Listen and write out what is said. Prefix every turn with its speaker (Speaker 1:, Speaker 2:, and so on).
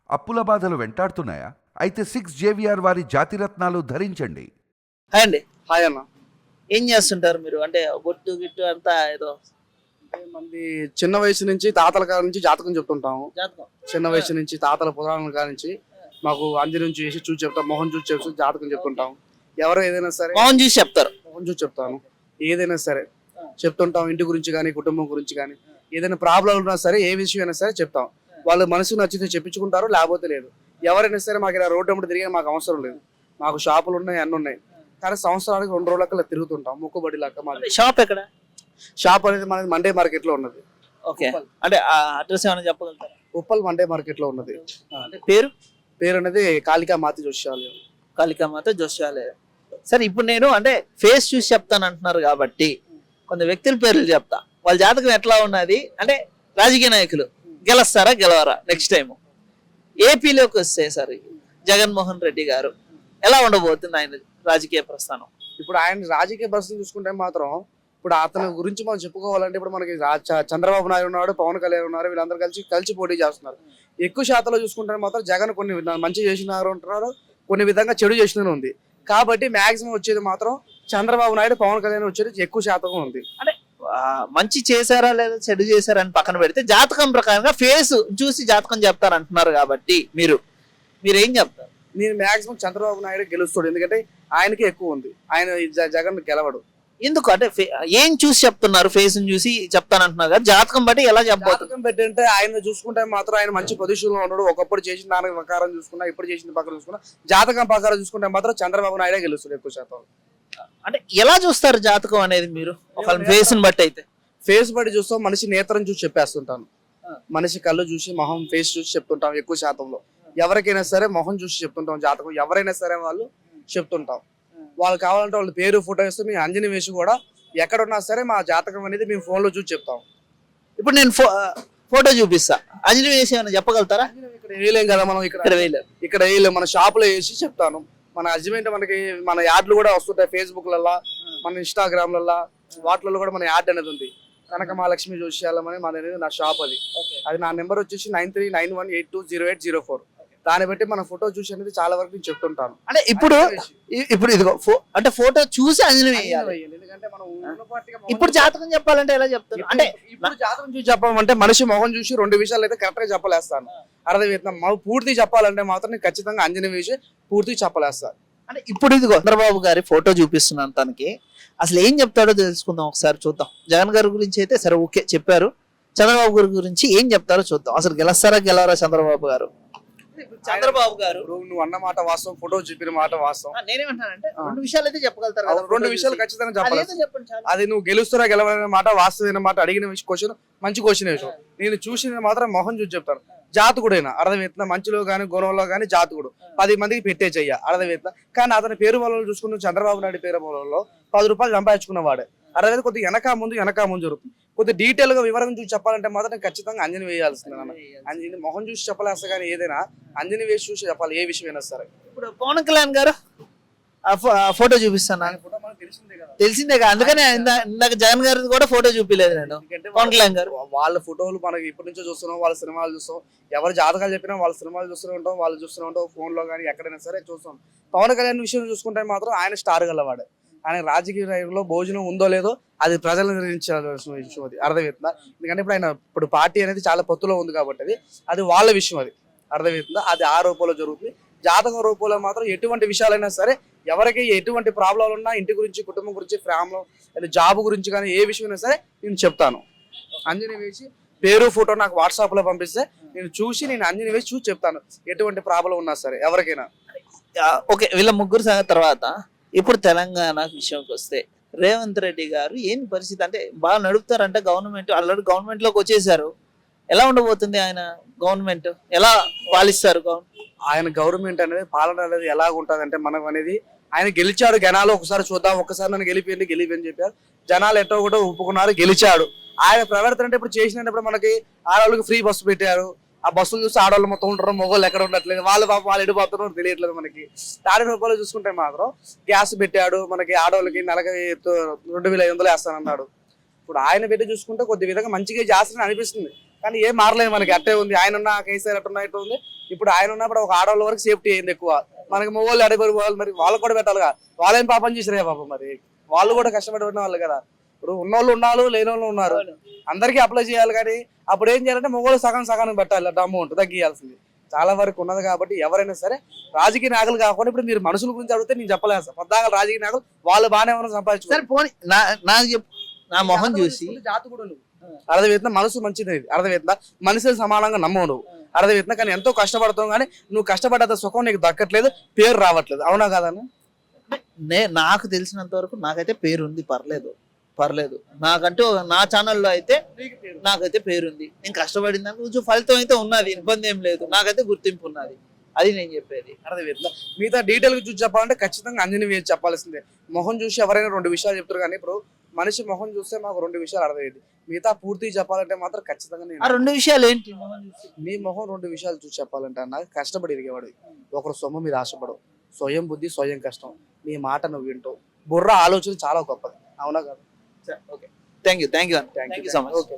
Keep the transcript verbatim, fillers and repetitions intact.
Speaker 1: అప్పుల బాధలు వెంటాడుతున్నాయా? అయితే సిక్స్ జేవిఆర్ వారి జాతిరత్నాలు ధరించండి.
Speaker 2: హాయ్ అండి.
Speaker 3: హాయ్ అన్న.
Speaker 2: ఏం చేస్తుంటారు మీరు? అంటే బొట్టు గిట్టు అంతా ఏదో
Speaker 3: అంటే మంది చిన్న వయసు నుంచి తాతల కాడ నుంచి జాతకం చెప్తుంటాము.
Speaker 2: జాతకం
Speaker 3: చిన్న వయసు నుంచి తాతల పురాణాల కాడ నుంచి మాకు అంజనం చూసి చూసి చెప్తాం, మొహం చూసి చెప్తూ జాతకం చెప్తుంటాం. ఎవరు ఏదైనా సరే
Speaker 2: మౌన్ చూసి చెప్తారు.
Speaker 3: మొహం చూసి చెప్తాను. ఏదైనా సరే చెప్తుంటాం, ఇంటి గురించి కానీ కుటుంబం గురించి కానీ ఏదైనా ప్రాబ్లం ఉన్నా సరే ఏ విషయం అయినా సరే చెప్తాం. వాళ్ళు మనసుకు నచ్చితే చెప్పించుకుంటారు, లేకపోతే లేదు. ఎవరైనా సరే మాకు ఇలా రోడ్డు అమ్మటి తిరిగే మాకు అవసరం లేదు. మాకు షాపులు ఉన్నాయి, అన్నీ ఉన్నాయి. కానీ సంవత్సరానికి రెండు రోజులకి తిరుగుతుంటాం, మొక్కుబడి లాగా. మాది
Speaker 2: షాప్ ఎక్కడ?
Speaker 3: షాప్ అనేది మనది మండే మార్కెట్ లో ఉన్నది.
Speaker 2: ఓకే, అంటే అడ్రస్ ఏమైనా చెప్పగలుగుతారా?
Speaker 3: ఉప్పల్ మండే మార్కెట్ లో ఉన్నది.
Speaker 2: అంటే పేరు
Speaker 3: పేరు అనేది కాళికా మాతి జోష్యాలయం.
Speaker 2: కాళికామాత జోష్యాలయం. సరే, ఇప్పుడు నేను అంటే ఫేస్ చూసి చెప్తాను అంటున్నారు కాబట్టి కొంత వ్యక్తుల పేర్లు చెప్తా. వాళ్ళ జాతకం ఎట్లా ఉన్నది అంటే రాజకీయ నాయకులు గెలుస్తారా గెలవరా నెక్స్ట్ టైం ఏపీలోకి వస్తే సార్ జగన్మోహన్ రెడ్డి గారు ఎలా ఉండబోతుంది ఆయన రాజకీయ ప్రస్థానం?
Speaker 3: ఇప్పుడు ఆయన రాజకీయ పరిస్థితి చూసుకుంటే మాత్రం ఇప్పుడు అతని గురించి మనం చెప్పుకోవాలంటే ఇప్పుడు మనకి రా- చ- చంద్రబాబు నాయుడు ఉన్నాడు, పవన్ కళ్యాణ్ ఉన్నారు. వీళ్ళందరూ కలిసి కలిసి పోటీ చేస్తున్నారు. ఎక్కువ శాతంలో చూసుకుంటే మాత్రం జగన్ కొన్ని విధా- మంచి చేసినారు అంటున్నారు, కొన్ని విధంగా చెడు చేసిన ఉంది. కాబట్టి మాక్సిమం వచ్చేది మాత్రం చంద్రబాబు నాయుడు, పవన్ కళ్యాణ్ వచ్చేది ఎక్కువ శాతం ఉంది.
Speaker 2: అంటే ఆ, మంచి చేశారా లేదా చెడు చేశారా అని పక్కన పెడితే జాతకం ప్రకారంగా ఫేస్ చూసి జాతకం చెప్తారు అంటున్నారు కాబట్టి మీరు మీరు ఏం చెప్తారు?
Speaker 3: నేను మాక్సిమం చంద్రబాబు నాయుడు గెలుస్తాడు, ఎందుకంటే ఆయనకి ఎక్కువ ఉంది. ఆయన ఈ జ- జగన్ గెలవడు.
Speaker 2: ఎందుకు అంటే ఫే- ఏం చూసి చెప్తున్నారు? ఫేస్ చూసి చెప్తానంటున్నారు కదా, జాతకం బట్టి ఎలా చెప్పబోతుంది?
Speaker 3: జాతకం పెట్టంటే ఆయన చూసుకుంటే మాత్రం ఆయన మంచి పొజిషన్ లో ఉన్నాడు. ఒకప్పుడు చేసిన దాని ప్రకారం చూసుకున్నా, ఇప్పుడు చేసిన ప్రకారం చూసుకున్నా, జాతకం ప్రకారం చూసుకుంటే మాత్రం చంద్రబాబు నాయుడే గెలుస్తాడు ఎక్కువ శాతం.
Speaker 2: అంటే ఎలా చూస్తారు జాతకం అనేది మీరు? ఒక ఫేస్ ని బట్టి అయితే
Speaker 3: ఫేస్ బట్టి చూస్తాం, మనిషి నేత్రం చూసి చెప్పేస్తుంటాను. మనిషి కళ్ళు చూసి, మొహం ఫేస్ చూసి చెప్తుంటాం ఎక్కువ శాతంలో. ఎవరికైనా సరే మొహం చూసి చెప్తుంటాం జాతకం. ఎవరైనా సరే వాళ్ళు చెప్తుంటాం. వాళ్ళు కావాలంటే వాళ్ళ పేరు ఫోటో ఇస్తే మేము అంజని వేసి కూడా ఎక్కడున్నా సరే మా జాతకం అనేది మేము ఫోన్ లో చూసి చెప్తాం.
Speaker 2: ఇప్పుడు నేను ఫో- ఫోటో చూపిస్తా, అంజలి వేసి ఏమైనా చెప్పగలుగుతారా?
Speaker 3: ఇక్కడ వేయలేం కదా మనం, ఇక్కడ
Speaker 2: ఇక్కడ వేయలేదు.
Speaker 3: ఇక్కడ వేయలేం. మన షాప్ లో వేసి చెప్తాను. మన అర్జమెంట్ మనకి మన యాడ్లు కూడా వస్తుంటాయి ఫేస్బుక్ లలో, మన ఇన్స్టాగ్రామ్ లలో, వాటిలలో కూడా మన యాడ్ అనేది ఉంది. కనక మహాలక్ష్మి జోష్యాలం అని మన అనేది నా షాప్. అది అది నా నెంబర్ వచ్చేసి nine three nine one eight two zero eight zero four. దాన్ని బట్టి మన ఫోటో చూసి అనేది చాలా వరకు నేను చెప్తుంటాను.
Speaker 2: అంటే ఇప్పుడు ఇ- ఇప్పుడు ఇదిగో ఫో- అంటే ఫోటో చూసి అంజలి వేయాలి.
Speaker 3: ఎందుకంటే మనం ఉన్న పార్టీగా మొహం
Speaker 2: ఇప్పుడు జాతకం చెప్పాలంటే ఎలా చెప్తారు? అంటే
Speaker 3: ఇప్పుడు జాతకం చూసి చెప్పాలంటే మనిషి మొహం చూసి రెండు విషయాలు అయితే కరెక్ట్ గా చెప్పలేస్తాను. అర్థమవుతుందా? పూర్తి చెప్పాలంటే మాత్రం నేను ఖచ్చితంగా అంజని వేసి పూర్తి చెప్పలేస్తాను.
Speaker 2: అంటే ఇప్పుడు ఇదిగో చంద్రబాబు గారి ఫోటో చూపిస్తున్నాను తనకి, అసలు ఏం చెప్తాడో తెలుసుకుందాం, ఒకసారి చూద్దాం. జగన్ గారి గురించి అయితే సరే ఓకే చెప్పారు, చంద్రబాబు గారి గురించి ఏం చెప్తారో చూద్దాం. అసలు గెలుస్తారా గెలవరా చంద్రబాబు గారు? చంద్రబాబు గారు
Speaker 3: ఇప్పుడు నువ్వు అన్న మాట వాస్తవం, ఫోటో చెప్పిన మాట వాస్తవం.
Speaker 2: ఆ, నేనేమంటానంటే రెండు విషయాలు అయితే చెప్పగలుగుతారు కదా,
Speaker 3: అవును, రెండు
Speaker 2: ఫోటో
Speaker 3: విషయాలు
Speaker 2: చూసి.
Speaker 3: ఖచ్చితంగా చెప్పాలి.
Speaker 2: అదేదో చెప్పండి చాలు.
Speaker 3: అది నువ్వు గెలుస్తురా గెలవలనే మాట, వాస్తవమైన మాట, అడిగిన క్వశ్చన్ మంచి క్వశ్చన్ విషయం. నేను చూసిన మాత్రం మొహం చూసి చెప్తాను. జాతకుడైనా అర్థమవుతుందా? మంచిలో కానీ గుణంలో కానీ జాతకుడు పది మందికి పెట్టే చెయ్య, అర్థమవుతుందా? కానీ అతని పేరు వల్ల చూసుకున్న చంద్రబాబు నాయుడు పేరు వల్ల పది రూపాయలు సంపాదించుకున్నవాడే. అర్థమైతే కొద్దిగా వెనక ముందు వెనక ముందు జరుగుతుంది. కొద్దిగా డీటెయిల్ గా వివరంగా చూసి చెప్పాలంటే మాత్రం నేను ఖచ్చితంగా అంజని వేయాల్సింది. నాన్న అంజని మొహం చూసి చెప్పలేస్తా, కానీ ఏదైనా అంజని వేసి చూసి చెప్పాలి, ఏ విషయమైనా సరే.
Speaker 2: ఇప్పుడు పవన్ కళ్యాణ్ గారు ఆ ఫో- ఆ ఫోటో చూపిస్తాను
Speaker 3: ఆయన ఫోటో మనకు తెలిసిందే కదా.
Speaker 2: తెలిసిందే కదా, అందుకనే ఇందా- ఇందాక జగన్ గారి కూడా ఫోటో చూపిలేదు నేను.
Speaker 3: ఎందుకంటే
Speaker 2: పవన్ కళ్యాణ్ గారు
Speaker 3: వాళ్ళ ఫోటోలు మనకి ఇప్పటి నుంచో చూస్తున్నాం, వాళ్ళ సినిమాలు చూస్తాం. ఎవరు జాతకాలు చెప్పినా వాళ్ళ సినిమాలు చూస్తూనే ఉంటాం, వాళ్ళు చూస్తూనే ఉంటాం, ఫోన్ లో కానీ ఎక్కడైనా సరే చూస్తాం. పవన్ కళ్యాణ్ విషయం చూసుకుంటే మాత్రం ఆయన స్టార్ గలవాడు. ఆయన రాజకీయ రంగంలో భోజనం ఉందో లేదో అది ప్రజలు నిర్ణయించాల్సిన విషయం. అది అర్థమవుతుందా? ఎందుకంటే ఇప్పుడు ఆయన ఇప్పుడు పార్టీ అనేది చాలా పొత్తులో ఉంది కాబట్టి అది అది వాళ్ళ విషయం. అది అర్థమవుతుందా? అది ఆ రూపంలో జరుగుతుంది. జాతకం రూపంలో మాత్రం ఎటువంటి విషయాలైనా సరే, ఎవరికి ఎటువంటి ప్రాబ్లాలు ఉన్నా, ఇంటి గురించి, కుటుంబం గురించి, ఫ్యామిలీ లేదా జాబ్ గురించి కానీ ఏ విషయమైనా సరే నేను చెప్తాను. అంజని వేసి పేరు ఫోటో నాకు వాట్సాప్ లో పంపిస్తే నేను చూసి నేను అంజని వేసి చూసి చెప్తాను, ఎటువంటి ప్రాబ్లం ఉన్నా సరే ఎవరికైనా.
Speaker 2: ఆ, ఓకే, వీళ్ళ ముగ్గురు సంగతి తర్వాత ఇప్పుడు తెలంగాణ విషయంకి వస్తే రేవంత్ రెడ్డి గారు ఏంటి పరిస్థితి? అంటే బాగా నడుపుతారంటే గవర్నమెంట్, ఆల్రెడీ గవర్నమెంట్ లోకి వచ్చేసారు. ఎలా ఉండబోతుంది ఆయన గవర్నమెంట్? ఎలా పాలిస్తారు గవర్నమెంట్?
Speaker 3: ఆయన గవర్నమెంట్ అనేది పాలన అనేది ఎలా ఉంటుంది అంటే మనం అనేది ఆయన గెలిచాడు. జనాలు ఒకసారి చూద్దాం, ఒకసారి నన్ను గెలిపిండి గెలిపని చెప్పారు. జనాలు ఎట్టో కూడా ఒప్పుకున్నారు, గెలిచాడు. ఆయన ప్రవర్తన అంటే ఇప్పుడు చేసినప్పుడు మనకి ఆడవాళ్ళకి ఫ్రీ బస్సు పెట్టారు. ఆ బస్సులు చూసి ఆడవాళ్ళు మొత్తం ఉంటారు, మొగోళ్ళు ఎక్కడ ఉండట్లేదు, వాళ్ళు పాప వాళ్ళు ఎడిపోతున్నారు తెలియట్లేదు మనకి. తాడి రూపాయలు చూసుకుంటే మాత్రం గ్యాస్ పెట్టాడు మనకి, ఆడవాళ్ళకి నెలకి రెండు వేల ఐదు వందలు వేస్తానన్నాడు. ఇప్పుడు ఆయన పెట్టి చూసుకుంటే కొద్ది విధంగా మంచిగా చేస్తానని అనిపిస్తుంది. కానీ ఏం మారలేదు మనకి, అట్టే ఉంది. ఆయన ఉన్న కేసీఆర్ అట్టున్నా ఇట్లా ఉంది. ఇప్పుడు ఆయన ఉన్నప్పుడు ఒక ఆడవాళ్ళ వరకు సేఫ్టీ అయింది ఎక్కువ. మనకి మొగోళ్ళు అడిగారు వాళ్ళు, మరి వాళ్ళకి కూడా పెట్టాలిగా. వాళ్ళేం పాపం చేసిరే పాపం, మరి వాళ్ళు కూడా కష్టపడిన వాళ్ళు కదా. ఇప్పుడు ఉన్నోళ్ళు ఉన్నారు, లేని వాళ్ళు ఉన్నారు, అందరికీ అప్లై చేయాలి. కానీ అప్పుడు ఏం చేయాలంటే మొగోళ్ళు సగం సగానికి పెట్టాలి అమౌంట్ తగ్గియాల్సింది. చాలా వరకు ఉన్నది కాబట్టి ఎవరైనా సరే రాజకీయ నాయకులు కాకుండా ఇప్పుడు మీరు మనుషుల గురించి అడిగితే నేను చెప్పలేదు సార్. పొద్దాక రాజకీయ నాయకులు వాళ్ళు బాగానే ఉన్న
Speaker 2: సరే
Speaker 3: సంపాదించుకోవాలి.
Speaker 2: పోనీ నా నాకు చెప్పు, నా మొహం చూసి
Speaker 3: జాతి కూడా నువ్వు అర్థమవుతుందా, మనసు మంచిది అర్థమవుతుందా, మనుషులు సమానంగా నమ్మవు నువ్వు అర్థమవుతుందా. కానీ ఎంతో కష్టపడతావు, కానీ నువ్వు కష్టపడ్డ సుఖం నీకు దక్కట్లేదు, పేరు రావట్లేదు. అవునా కాదన్న?
Speaker 2: నే నాకు తెలిసినంత వరకు నాకైతే పేరు ఉంది, పర్లేదు పర్లేదు. నాకంటూ ఒక- నా ఛానల్లో అయితే నాకైతే పేరుంది. నేను కష్టపడిన దానికి కొంచెం ఫలితం అయితే ఉన్నది, ఇబ్బంది ఏం లేదు. నాకైతే గుర్తింపు ఉన్నది, అది నేను చెప్పేది.
Speaker 3: అర్థమవుతుందా. మిగతా డీటెయిల్ గా చూసి చెప్పాలంటే ఖచ్చితంగా అంజనీ వేసి చెప్పాల్సిందే. మొహం చూసి ఎవరైనా రెండు విషయాలు చెప్తారు, కానీ ఇప్పుడు మనిషి మొహం చూస్తే మాకు రెండు విషయాలు అర్థమయ్యేది. మిగతా పూర్తిగా చెప్పాలంటే మాత్రం ఖచ్చితంగా
Speaker 2: ఆ
Speaker 3: నేను
Speaker 2: రెండు విషయాలు ఏంటి? మొహం చూసి
Speaker 3: నీ మొహం రెండు విషయాలు చూసి చెప్పాలంటే అన్న, కష్టపడి ఎదిగేవాడు, ఒకరు సొమ్ము మీద ఆశపడవు, స్వయం బుద్ధి స్వయం కష్టం, నీ మాట నువ్వు వింటావు, బుర్ర ఆలోచన చాలా గొప్పది. అవునా కదా?
Speaker 2: Okay, thank you thank you
Speaker 3: thank
Speaker 2: thank
Speaker 3: you
Speaker 2: you so much.
Speaker 3: Okay.